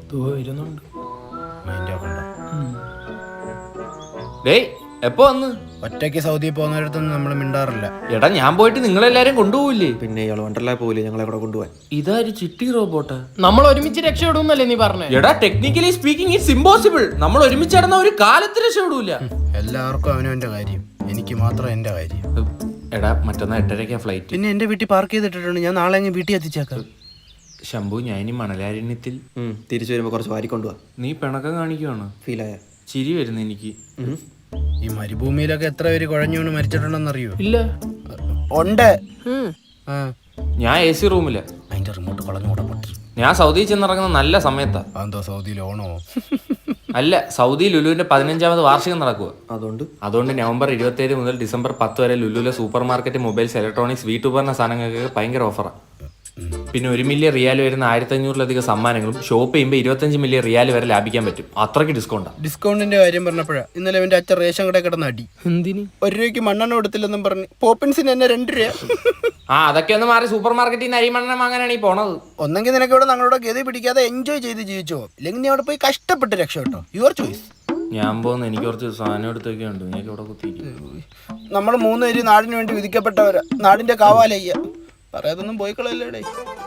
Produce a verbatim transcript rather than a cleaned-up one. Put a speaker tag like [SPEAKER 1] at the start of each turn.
[SPEAKER 1] വരുന്നുണ്ട്.
[SPEAKER 2] ഡേയ് എപ്പോ വന്ന്?
[SPEAKER 3] ഒറ്റയ്ക്ക് സൗദി പോകുന്നിടത്തൊന്നും നമ്മൾ മിണ്ടാറില്ല.
[SPEAKER 2] എടാ ഞാൻ പോയിട്ട് നിങ്ങളെല്ലാരും കൊണ്ടുപോകില്ലേ?
[SPEAKER 4] പിന്നെ ഇയാൾ വണ്ടർലാ പോയില്ലേ ഞങ്ങളെ കൂടെ കൊണ്ടുപോകാൻ?
[SPEAKER 2] ഇതാര് ചിട്ടി റോബോട്ടാ?
[SPEAKER 1] നമ്മൾ ഒരുമിച്ച് രക്ഷപ്പെടുന്നല്ലേ നീ പറഞ്ഞേ?
[SPEAKER 2] എടാ ടെക്നിക്കലി സ്പീക്കിംഗ് ഇറ്റ്സ് ഇമ്പോസിബിൾ. നമ്മൾ ഒരുമിച്ച് നടന്ന ഒരു കാലത്ത് രക്ഷപ്പെടൂല.
[SPEAKER 3] എല്ലാവർക്കും അവനവന്റെ കാര്യം, എനിക്ക് മാത്രം എന്റെ കാര്യം.
[SPEAKER 2] എടാ മറ്റന്നാ എട്ടരയ്ക്കാ ഫ്ലൈറ്റ്.
[SPEAKER 3] പിന്നെ എന്റെ വീട്ടിൽ പാർക്ക് ചെയ്തിട്ടുണ്ട്, ഞാൻ നാളെ അങ്ങ് വീട്ടിൽ എത്തിച്ചേക്കാം.
[SPEAKER 2] ശംഭു ഞാൻ ഇനി മണലാരണ്യത്തിൽ
[SPEAKER 4] തിരിച്ചു വരുമ്പോ കുറച്ച് വാരി കൊണ്ടുപോവാ.
[SPEAKER 2] നീ പിണക്കം കാണിക്കുവാണ്.
[SPEAKER 4] ഫീലായ
[SPEAKER 2] ചിരി വരുന്നു എനിക്ക്.
[SPEAKER 3] ഈ മരുഭൂമിയിലൊക്കെ എത്ര പേര് കുഴഞ്ഞു വീണ് മരിച്ചിട്ടുണ്ടെന്നറിയോ?
[SPEAKER 1] ഇല്ല.
[SPEAKER 3] ഉണ്ട്.
[SPEAKER 2] ഞാൻ എ സി റൂമില്ല.
[SPEAKER 3] അതിന്റെ റിമോട്ട് കളഞ്ഞു കൂടെ പൊട്ടി.
[SPEAKER 2] ഞാൻ സൗദിയിൽ ചെന്നിറങ്ങുന്ന നല്ല സമയത്താ.
[SPEAKER 3] അതെന്തോ സൗദിയിൽ ഓണോ?
[SPEAKER 2] അല്ല, സൗദി ലുലുവിന്റെ പതിനഞ്ചാമത് വാർഷികം നടക്കുക.
[SPEAKER 4] അതുകൊണ്ട്
[SPEAKER 2] അതുകൊണ്ട് നവംബർ ഇരുപത്തി ഏഴ് മുതൽ ഡിസംബർ പത്ത് വരെ ലുലുവിലെ സൂപ്പർ മാർക്കറ്റ്, മൊബൈൽസ്, ഇലക്ട്രോണിക്സ്, വീട്ടുപകരണ സാധനങ്ങൾക്ക് ഭയങ്കര ഓഫറാണ്. പിന്നെ ഒരു മില്യൺ റിയാൽ വരുന്ന ആയിരത്തി അഞ്ഞൂറിലധികം സമ്മാനങ്ങളും ഷോപ്പ് ചെയ്യുമ്പോൾ ഇരുപത്തഞ്ച് മില്യൺ റിയാൽ വരെ ലാഭിക്കാൻ പറ്റും. അത്രയ്ക്ക് ഡിസ്കൗണ്ടാണ്.
[SPEAKER 3] ഡിസ്കൗണ്ടിന്റെ കാര്യം പറഞ്ഞപ്പോഴാ ഇന്നലെ എന്റെ അച്ഛൻ റേഷൻ കടയിൽ കിടന്ന് അടി.
[SPEAKER 1] എന്തിന്?
[SPEAKER 3] ഒരു രൂപയ്ക്ക് മണ്ണെണ്ണ കൊടുത്തില്ലെന്നും പറഞ്ഞ് പോപ്പിൻസിന് എന്നെ രണ്ട് രൂപ.
[SPEAKER 2] ആ അതൊക്കെ ഒന്ന് മാറി സൂപ്പർ മാർക്കറ്റിൽ നിന്ന് അരിമണ്ണെണ്ണ വാങ്ങാനാണ് ഈ പോണത്.
[SPEAKER 3] ഒന്നെങ്കിൽ നിനക്ക് ഇവിടെ ഞങ്ങളുടെ ഗതി പിടിക്കാതെ എൻജോയ് ചെയ്ത് ജീവിച്ചോ, ഇല്ലെങ്കിൽ നീ അവിടെ പോയി കഷ്ടപ്പെട്ട് രക്ഷപ്പെട്ടോ. Your choice.
[SPEAKER 2] ഞാൻ പോകുന്ന എനിക്ക് കുറച്ച് സാധനം എടുത്തൊക്കെ ഉണ്ട്. എനിക്ക് ഇവിടെ കുത്തിയിരിക്കും.
[SPEAKER 3] നമ്മൾ മൂന്നുപേര് നാടിന് വേണ്ടി വിധിക്കപ്പെട്ടവരാ, നാടിന്റെ കാവാലയ്യ. പറയാതൊന്നും പോയി കളയല്ലേടേ.